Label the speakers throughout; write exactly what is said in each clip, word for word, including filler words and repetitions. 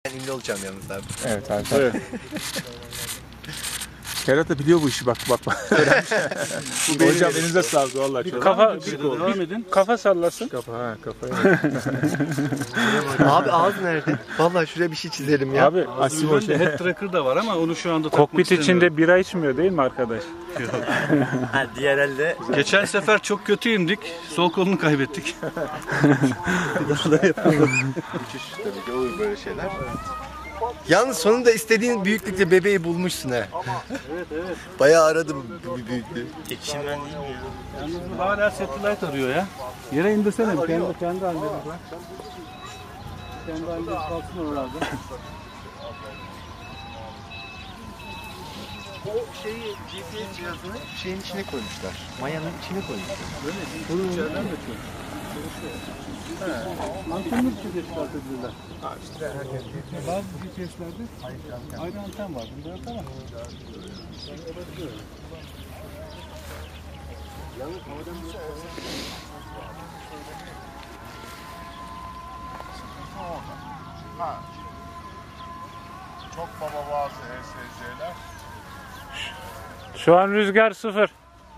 Speaker 1: ünlü olacağım yalnız abi.
Speaker 2: Evet abi. Evet. Ferhat da biliyor bu işi, bak bak bak. Hocam elinize sağlık vallahi.
Speaker 3: Bir
Speaker 2: çok-
Speaker 3: kafa,
Speaker 2: bir,
Speaker 3: bir,
Speaker 2: bir,
Speaker 3: bir kafa sallasın.
Speaker 2: kafa ha kafayı.
Speaker 1: Abi ağız nerede? Vallahi şuraya bir şey çizelim ya.
Speaker 2: Abi Asim Hoca.
Speaker 3: Head tracker da var ama onu şu anda takmak
Speaker 4: Kokpit
Speaker 3: istemiyorum.
Speaker 4: içinde bira içmiyor değil mi arkadaş?
Speaker 1: Ha, diğer elde.
Speaker 3: Geçen sefer çok kötüyümdük. Sol kolunu kaybettik.
Speaker 1: Uçuş tabii ki olur böyle şeyler. Yalnız sonunda istediğin büyüklükte bebeği bulmuşsun ha.
Speaker 3: Evet evet.
Speaker 1: Bayağı aradım bir büyüklüğü.
Speaker 3: Yalnız bu hala satellite arıyor ya. Yere indirsene. Kendi, kendi halinde bırak. Kendi halinde kalsın oralarda.
Speaker 1: O şeyi G P S cihazını şeyin içine koymuşlar. Mayanın içine koymuşlar.
Speaker 3: Böyle değil. İçeriden de çok. Antenli bir şey çıkartabilirler. Bazı G P S'lerde ayrı anten var. Bunda yok ama.
Speaker 5: Çok baba bazı E S C'ler.
Speaker 4: Şu an rüzgar sıfır.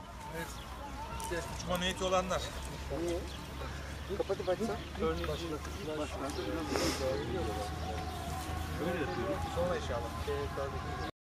Speaker 5: Uçma niyeti olanlar.
Speaker 1: Kapatıp açsan.
Speaker 3: Böyle yapıyoruz.
Speaker 1: Sonra inşallah.